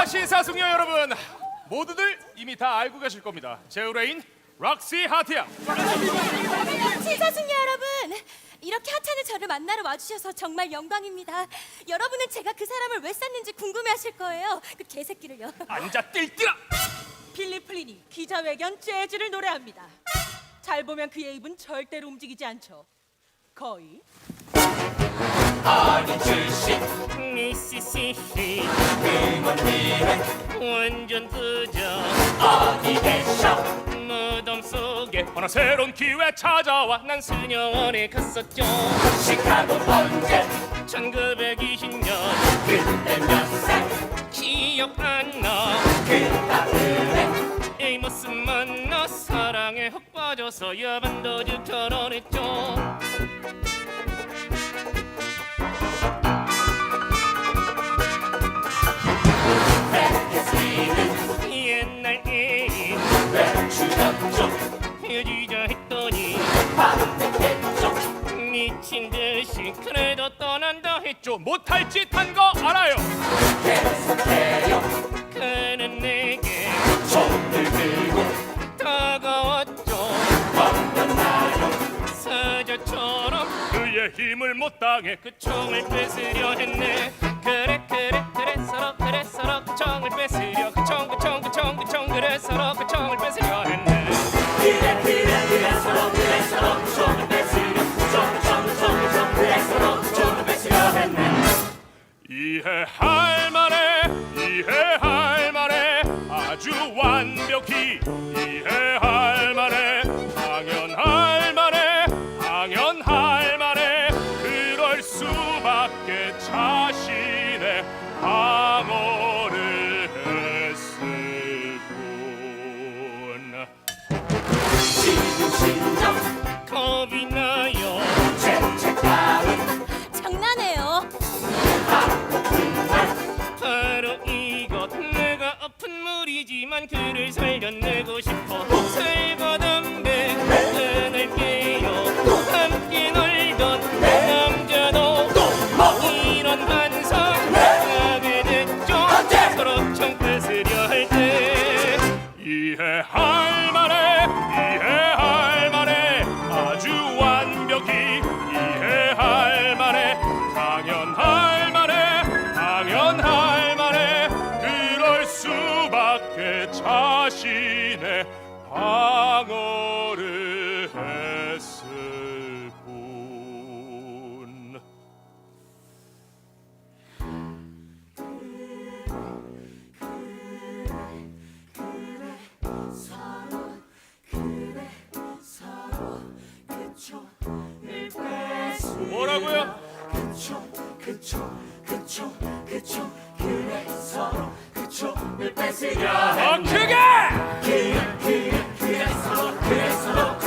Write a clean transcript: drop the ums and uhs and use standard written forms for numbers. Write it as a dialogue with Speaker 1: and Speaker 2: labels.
Speaker 1: 자, 신사숙녀 여러분, 모두들 이미 다 알고 계실 겁니다. 제 의뢰인 락시 하트야.
Speaker 2: 신사숙녀 여러분, 이렇게 하찮은 저를 만나러 와주셔서 정말 영광입니다. 여러분은 제가 그 사람을 왜 쐈는지 궁금해하실 거예요. 그 개새끼를요.
Speaker 1: 앉아 띨띨아.
Speaker 3: 필립 플린이 기자회견 재즈를 노래합니다. 잘 보면 그의 입은 절대로 움직이지 않죠. 거의
Speaker 4: 어린 출신
Speaker 5: 미시시시
Speaker 4: 응원비는
Speaker 5: 완전 부자
Speaker 4: 어디 계셔
Speaker 5: 무덤 속에
Speaker 1: 하나 새로운 기회 찾아와.
Speaker 5: 난 수녀원에 갔었죠.
Speaker 4: 시카고 언제
Speaker 5: 1920년
Speaker 4: 그때 몇 살
Speaker 5: 기억 안나
Speaker 4: 그따위에
Speaker 5: 이 모습 만나 사랑에 훅 빠져서 야반도주 결혼했죠.
Speaker 4: 프레스리는
Speaker 5: 옛날 애인
Speaker 4: 왜 주였죠
Speaker 5: 헤어지자 했더니
Speaker 4: 바로 내겠죠
Speaker 5: 미친 듯이 그래도 떠난다 했죠.
Speaker 1: 못할 짓 한 거 알아요.
Speaker 4: 계속해요
Speaker 5: 그는 내게
Speaker 4: 손을 들고
Speaker 5: 다가왔죠.
Speaker 4: 건너나요
Speaker 5: 사자처럼
Speaker 1: 그의 힘을 못 당해
Speaker 5: 그 총을 뺏으려 했네. 그래 서로 그 총을 뺏으려 그 총 그래 서로 그 총을 뺏으려 했네.
Speaker 4: 그래 서로 그 손을 뺏으려 그래 서로 그 손을 뺏으려 했네
Speaker 1: 이해할 만해 아주 완벽히 이해할 만해 당연할 만해 그럴 수밖에 자신의 방어를 했을 뿐.
Speaker 4: 지금 심정
Speaker 5: 겁이 나요.
Speaker 4: 죄책감은
Speaker 2: 장난해요.
Speaker 5: 바로 이것 내가 아픈 물이지만 그를 살려내고 싶어. 살과 담배 끊을게요. 함께 놀던 남자도 이런 환상 하게 됐죠. 서로 총 뺏으려 할 때
Speaker 1: 이해할 만해 아주 완벽히 이해할 만해 당연할 만해 그럴 수밖에 자신의 방어를 했을 뿐. 뭐라고요?
Speaker 4: 그쵸 그래 서로 그 총을 뺏으려
Speaker 1: 더 크게!
Speaker 4: 그래 서로